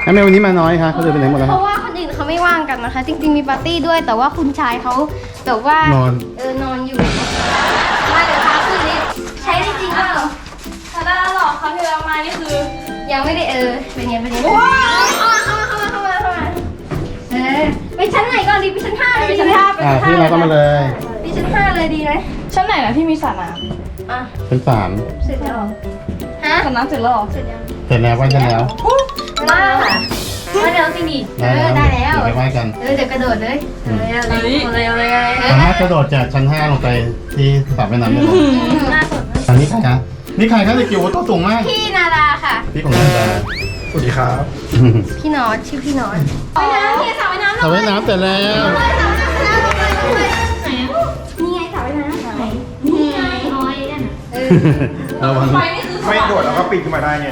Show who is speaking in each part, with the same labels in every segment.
Speaker 1: ทำไมวันนี้มาน้อยคะเขาเดินไปไหนหมดแล้ว
Speaker 2: เพราะว่าคนอื่นเขาไม่ว่างกันนะคะ จริงๆมีปาร์ตี้ด้วยแต่ว่าคุณชายเขาแบบว่าน
Speaker 1: อน
Speaker 2: นอนอยู่มาเดี๋ยวพาขึ้นลิฟต์ใช้ได้จริงเปล่า
Speaker 3: ถ้าได้แล้วหรอกครั้งที่เรามานี่คือ
Speaker 2: ยังไม่ได้เป็นไงว้าวเข้ามาไปชั้นไหนก่อนดีไปชั้น5เลย
Speaker 3: ไป
Speaker 2: ดี
Speaker 3: ชั้น
Speaker 2: ไหม
Speaker 3: ห้าไปชั้น
Speaker 1: พี่
Speaker 3: ห้า
Speaker 1: มาเข้ามาเลย
Speaker 2: ไปชั้น5เลยดีไหม
Speaker 3: ชั้นไหนนะที่มีสระน้
Speaker 2: อ่ะ
Speaker 1: เป็นสาร
Speaker 2: เสร็จแล้วฮะ
Speaker 3: ำสระน้ำเสร็จแล้วหรอ
Speaker 2: เสร็จยัง
Speaker 1: เสร็จแล้วไหว้กันแล้ว
Speaker 2: มามาเดี๋ยวสินี่ได้แล้ว
Speaker 1: เดี๋ยวไปไหว้กัน
Speaker 2: เดี๋ยวกระโดดเลยเลย
Speaker 1: สามารถกระโดดจากชั้น 5 ลงไปที่สระว่ายน้ำได้เลย
Speaker 2: น่าสน
Speaker 1: อันนี้ใครคะนี่ใครคะเด็กจิ๋วตัวสูงมาก
Speaker 2: พี่นาราค่ะ
Speaker 1: พี่ของนันดา
Speaker 4: สวัสดีครับ
Speaker 2: พี่นอตชื่อพี่นอตว่ายน้ำพี่สระว่ายน้ำ
Speaker 1: สระว่ายน้ำเสร็จแล้ว
Speaker 2: นี่ไงสระว่ายน้ำไหนนี่ไงน้อยนั่น
Speaker 1: ระวัง
Speaker 3: ไฟนี่คือ
Speaker 4: ไม่โดดแล้วก็ปีนขึ้นมาได้เนี่ย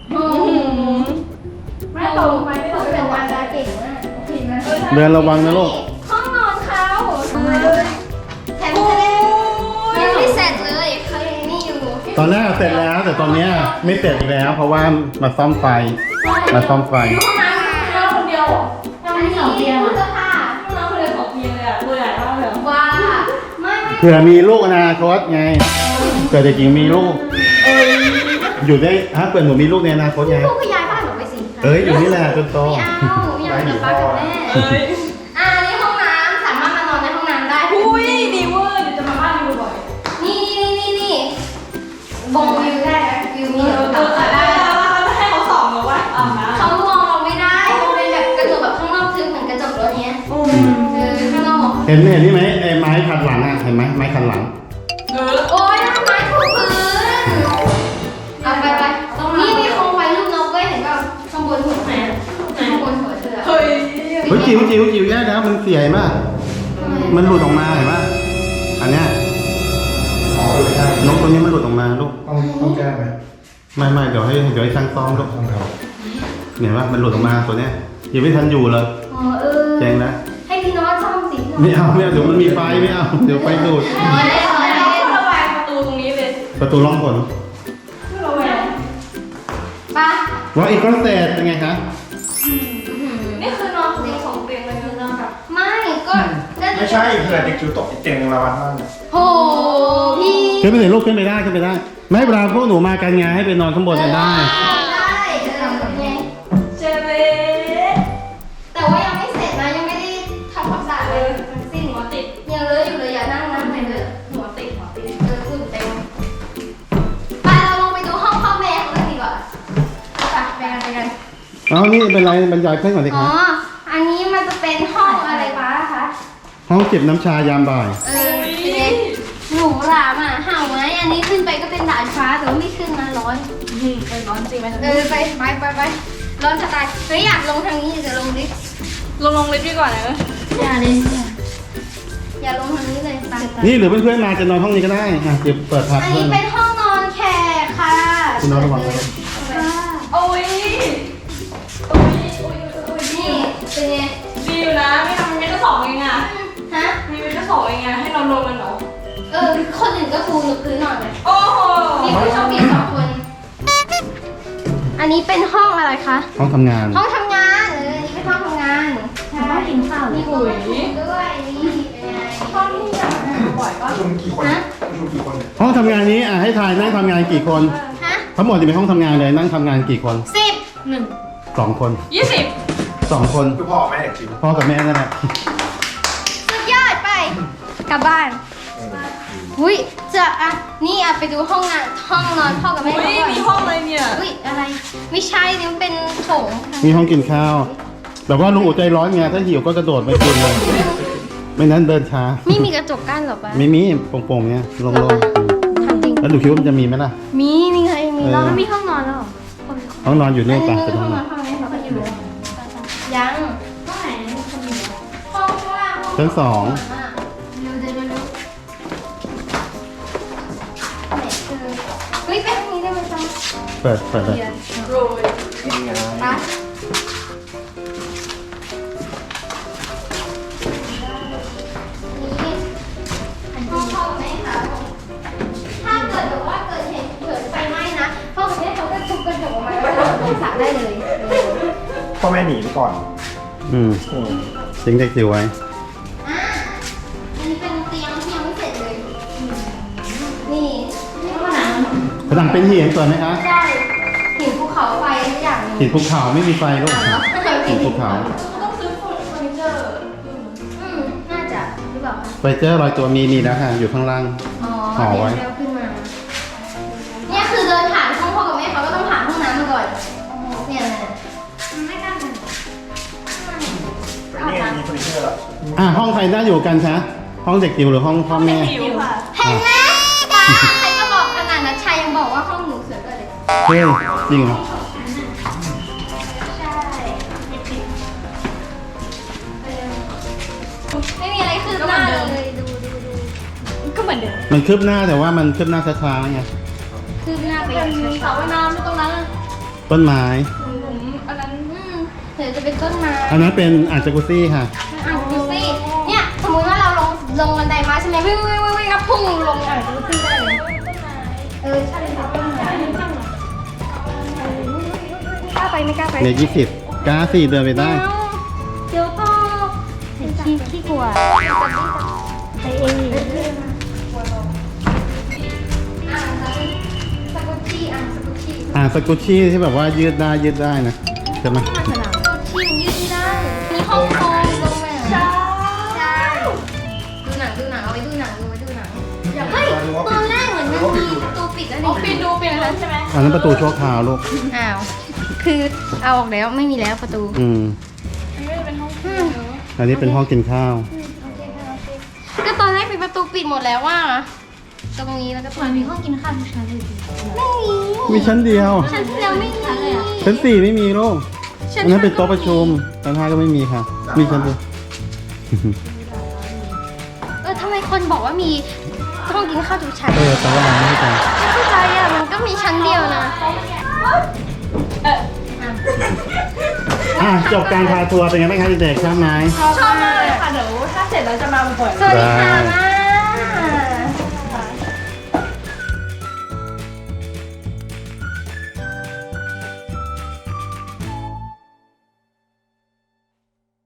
Speaker 2: ไม่ตกไปไม่ตกเป็นวันดาเก่งมากเห็นไหม
Speaker 1: เดินระวังนะลูก
Speaker 2: ห้องนอนเขาแถมยังไม่เสร็จเลยเขายังนี่อยู่
Speaker 1: ตอนแรกเสร็จแล้วแต่ตอนเนี้ยไม่เสร็จอีกแล้ว เพราะว่ามาซ่อมไฟมาซ่อมไฟ
Speaker 3: ห้องน้ำคนเดียว
Speaker 2: อันนี้ตู้เสื้อผ้า
Speaker 3: ห้องน้ำคนเดียว2 เตียงเลยอะตัวใหญ่มากเลย
Speaker 2: ว้าไม่
Speaker 1: เผื่อมีลูกอนาคตไงเผื่อเด็กหญิงมีลูกอยู่ได้เผื่อหนูมีลูกในอนาคตไง
Speaker 2: ลูกก็ย้ายบ้านหนูไปสิ
Speaker 1: อยู่นี่แหละจนโต
Speaker 2: ไม่เอาอยากอยู่บ้านกับแม่นี่ห้องน้ำสามารถมานอนในห้องน้ำได้
Speaker 3: อุ้ยดีเวอร์เดี๋ยวจะมาบ้านดูบ่อย
Speaker 2: นี่บงวิวได้นะวิวมี
Speaker 3: เอ
Speaker 2: แบบ
Speaker 3: อ
Speaker 2: ตัด
Speaker 3: ได้
Speaker 2: ได้
Speaker 3: แล้วให้เขาส่องเราว่าอาบน้ำ
Speaker 2: เขามองเราไม่ได้มันเป็นแบบกระจกแบบข้างนอกคือเหมือนกระจกรถเนี้ยข้างนอก
Speaker 1: เห็นนี่ไหมไอ้ไม้ขัดหลังเห็นไหมไม้ขัดหลัง
Speaker 2: โอ๊ยทำไมถูกพื้นเอาไปนี่มีโคมไฟรูปนกด้วยเห็นป่ะข้างบนหัวไหนข้างบนหัวเธอ
Speaker 3: เฮ้ย
Speaker 1: จิ๋วแย่แล้วมันเสียมากมันหลุดออกมาเห็นไหมอันเนี้ย
Speaker 4: อ๋อเลยได้
Speaker 1: นกตัวนี้มันหลุดออกมาลูก
Speaker 4: ต้องแก้ไหม
Speaker 1: ไม่เดี๋ยวให้ช่างซ่อมลูก
Speaker 4: ต้องครับ
Speaker 1: เห็นว่ามันหลุดออกมาตัวเนี้ยยังไม่ทันอยู่เลยแจ้งนะ
Speaker 2: ให้พี่น้องซ่อมสิ
Speaker 1: ไม่เอาเดี๋ยวมันมีไฟไม่เอาเดี๋ยวไฟดูด
Speaker 3: เราระบายประตูตรงนี้เลย
Speaker 1: ประตูล่องผล
Speaker 3: ระแวง
Speaker 2: ป้า
Speaker 1: ว่าอีกคอนเสิร์ตเป็นไงคะ
Speaker 3: นี่คือนอน2 เตียงเลยคือนอนแบบ
Speaker 2: ไม่ก็
Speaker 4: ไม่ใช่เผื่อเด็กจิ๋วตกอีกเตียงละวันมากเนี่ย
Speaker 2: โหพี่
Speaker 1: ขึ้นไปเลยลูกขึ้นไปได้ไม่เวลาพวกหนูมากันไงให้ไปนอนข้างบนกันได้
Speaker 2: ไง
Speaker 3: เจเล่
Speaker 2: แต่ว่ายังไม่เสร็จนะยังไม่ได้ทำความสะอาดเลยทั้งสิ้น
Speaker 3: หัวติด
Speaker 2: ยังเลอะอยู่เลยอย่านั่งนะไปเลย
Speaker 3: หัวติด
Speaker 2: ฝุ่นเต็มไปเราลงไปดูห้องพ่อแม่เขาเลยดีกว่าไปกัน
Speaker 1: อ๋อนี่เป็นไรบรรยายเพื่อนก่อนดิ
Speaker 2: อ๋
Speaker 1: คะ
Speaker 2: ออันนี้มันจะเป็นห้องอะไรบ้างคะ
Speaker 1: ห้องเก็บน้ำชายามบ่าย
Speaker 2: เป็นไงหนูหลามอ่ะเห่าไหมอันนี้ขึ้นไปก็เป็นดาดฟ้าแต่ว่าไม่ขึ้นนะร้อน
Speaker 3: เป็นร้อนจริงไหม
Speaker 2: ไปร้อนจะตายเฮ้ยอยากลงทางนี้จะลงลิฟต์
Speaker 3: ลงลิฟต์ดีกว่านะ
Speaker 2: อย่าเลยอย่าลงทางนี้เลยไป
Speaker 1: นี่หรือเพื่อนๆมาจะนอนห้องนี้ก็ได้เดี๋ยวเปิดพัก
Speaker 2: อัน
Speaker 1: เพื่อ
Speaker 2: นี้
Speaker 1: น
Speaker 2: เป็นห้องนอนแขกค่ะ
Speaker 1: คุณน้องระวังนะครับ
Speaker 3: โอ้ย
Speaker 2: นี่เป็นไง
Speaker 3: ดีอยู่นะไม่ทำมันไม่ก็2 เองอ่ะ
Speaker 2: ฮะ
Speaker 3: มีมันก็2 เองอ่ะให้นอนรวมกันเหรอ
Speaker 2: คนอื่นก็ปูพื้นนอนเลย
Speaker 3: โอ้โห
Speaker 2: มีผู้โชคดี2 คน อันนี้เป็นห้องอะไรคะ
Speaker 1: ห้องทำงาน
Speaker 2: ห้องทำงานอันนี้เป็นห้องทำงานบ้านกินข้าวมีปุ๋ยด้วยนี่เป็นไง
Speaker 3: ห้องที่อยากมาบ่อยก็
Speaker 4: ประชุมกี่คนประชุมกี่คนเนี่ย
Speaker 1: ห้องทำงานนี้ให้ทายนั่งทำงานกี่คน
Speaker 2: ฮะ
Speaker 1: ทั้งหมดจะเป็นห้องทำงานเลยนั่งทำงานกี่คน 2 คน
Speaker 3: 20
Speaker 1: 2 คน
Speaker 4: คือพ่อแม่เด็กจิ๋ว
Speaker 1: พ่อกับแม่นั่นแหละ
Speaker 2: สุดยอดไปกลับบ้านอุ้ยนี่ไปดูห้องนอนพ่อกับแม่
Speaker 3: อุ้ย
Speaker 2: ก่อน
Speaker 3: มีห้องอะไรเนี่ย
Speaker 2: อุ้ยอะไรไม่ใช่นี่มันเป็นโถง
Speaker 1: มีห้องกินข้าวแบบว่าลุงอุใจร้อนไงถ้าหิวก็กระโดดไปกินเลยไม่นั้นเดินช้า
Speaker 2: ไม่มีกระจกกั้นหรอปะ
Speaker 1: ไม่มีโป่งๆเนี่ยโล่ง
Speaker 2: ทำจริง
Speaker 1: ๆแล้วดูคิดว่ามันจะมีไหมล่ะ
Speaker 2: มีไงมีแล้ว
Speaker 1: เออ
Speaker 2: มีห้องนอนแล้ว
Speaker 1: ห้องนอนอยู่
Speaker 2: อั
Speaker 1: นี่
Speaker 2: น
Speaker 1: ปะ
Speaker 2: นี้
Speaker 1: เป็น
Speaker 2: ห้
Speaker 1: ห้
Speaker 2: อ
Speaker 1: อง ง
Speaker 2: น
Speaker 1: น
Speaker 2: อ
Speaker 1: อน น
Speaker 2: ห้องนี้เขาก็อยู่ยังห้องไหนห้องข้างล่าง
Speaker 1: ชั้น 2
Speaker 2: เร็วเฮ้ยไปทางนี้ได้ไหมจ๊ะ
Speaker 1: เปิดเลย
Speaker 3: โรย
Speaker 4: นี่ไง
Speaker 2: ปะห้องพ่อกับแม่ค่ะถ้าเกิดแบบว่าเกิดเหตุไฟไหม้นะพ่อกับแม่เขาก็ทุบกระจกออกมาแล้วก็สระได้เลย
Speaker 1: พ่อ
Speaker 4: พ่อแม่หนีไปก่อน
Speaker 1: อืม
Speaker 4: อืม
Speaker 1: ทิ้งเด็กจิ๋วไว้
Speaker 2: อ่ะอันนี้เป็นเตียงที่ยังไม่เสร็จเลย นี่นี่ผนัง
Speaker 1: ผนังเป็นหินสวยไหมคะ
Speaker 2: ใช่หินภูเขาไฟทุกอย่างเลย
Speaker 1: หินภูเขาไม่มีไฟลูก
Speaker 2: อ่ะแล้วไม่เคย
Speaker 1: หินภูเขา
Speaker 3: ต้องซื้อเฟอร์นิเจอร์
Speaker 2: น่าจะหรือเปล่าคะ
Speaker 1: ไฟเจอร์ลอยตัวมีแล้วค่ะ อยู่ข้างล่าง
Speaker 2: อ๋อ
Speaker 1: ห่อไว้
Speaker 2: เดี๋ยวขึ้นมา เนี่ยคือเดินผ่านห้องพ่อกับแม่เขาก็ต้องผ่านห้องน้ำมาก่อน เนี่ยนะไม่กล้าเลย
Speaker 4: แต่นี่มีเฟอร์นิเจอร์แล้ว
Speaker 1: ห้องใครน่าอยู่กันคะห้องเด็กจิ๋วหรือห้องพ่อแม่
Speaker 3: หิวค่ะ
Speaker 2: เห็นไหมป้าใครก็บอกขนาดนั้นชายยังบอกว่าห้องหนูสวยกว่าเลย
Speaker 1: เฮ้ยจริงเหรอ
Speaker 2: ใช่ไม่มีอะไรคืบหน้าเลยดู
Speaker 3: ก็เหมือนเดิม
Speaker 1: มันคืบหน้าแต่ว่ามันคืบหน้าช้าๆไง
Speaker 2: คืบหน้าไป
Speaker 3: เป็น
Speaker 2: ช้า
Speaker 3: สระว่ายน้ำตรงนั้น
Speaker 1: ต้นไม้
Speaker 3: ผมอันนั้น
Speaker 2: เดี๋ยวจะเป็นต้นไม้
Speaker 1: อันนั้นเป็นอ่างจากุซี่ค่ะ
Speaker 2: อ่างดูสิเนี่ยสมมติว่าเราลงบันไดมาใช่ไหมวิ่งก็พุ่งลงอ่างดูสิได้เลยใช่ค่ะต้นไม้ไม่กล้าไปไม่กล้าไป
Speaker 1: ใน20กล้าสี่เดินไปได้
Speaker 2: เดี๋ยวก็ขี้กลัวไปเองอ่างสกุชชี่อ่างสกุชชี่
Speaker 1: อ่างสกุชชี่ที่แบบว่ายืดได้นะใช่ไหม
Speaker 2: สกุชชี่มันยืดไม่ได้ มีห้องโถงลงมาใช่ดูหนังเอาไว้ดูหนังเฮ้ยตอนแรกเหมือนมันมีประตูปิดแล้ว
Speaker 3: อ๋อ
Speaker 2: นี่
Speaker 3: ปิดอันนั้นใช่ไหม
Speaker 1: อันนั้นประตูชั่วคราวลูก
Speaker 2: อ้าว คือเอาออกแล้วไม่มีแล้วประตู
Speaker 1: อืม
Speaker 3: อันนี้เป็นห้อง
Speaker 1: อันนี้เป็นห้องกินข้าว
Speaker 2: ก็ตอนแรกเป็นประตูปิดหมดแล้วว่าตรงนี้แล้วก็ตรงนี้
Speaker 3: มีห้องกินข้าวทุกชั้นเลย
Speaker 2: ไม่มี
Speaker 1: มีชั้นเดียว
Speaker 2: ชั้นที่แล้วไม่มี
Speaker 1: ชั้น4ไม่มีลูกอันนั้นเป็นโต๊ะประชุมชั้น5ก็ไม่มีค่ะ มีชั้นเดียว
Speaker 2: ทำไมคนบอกว่ามีห้องกินข้าวทุกชั้น
Speaker 1: แต่ว่าเราไม่ได้ไป
Speaker 2: ไม่เข้าใจอ่ะ มันก็มีชั้นเดียวนะ
Speaker 1: จบการพาทัวร์เป็นไงบ้างคะเด็กๆชอบไหม
Speaker 3: ชอบมากเลยค่ะเดี๋ยวถ้าเสร็จแล้วจะมาบ่อย
Speaker 2: สวัสดีค่ะ
Speaker 1: ได้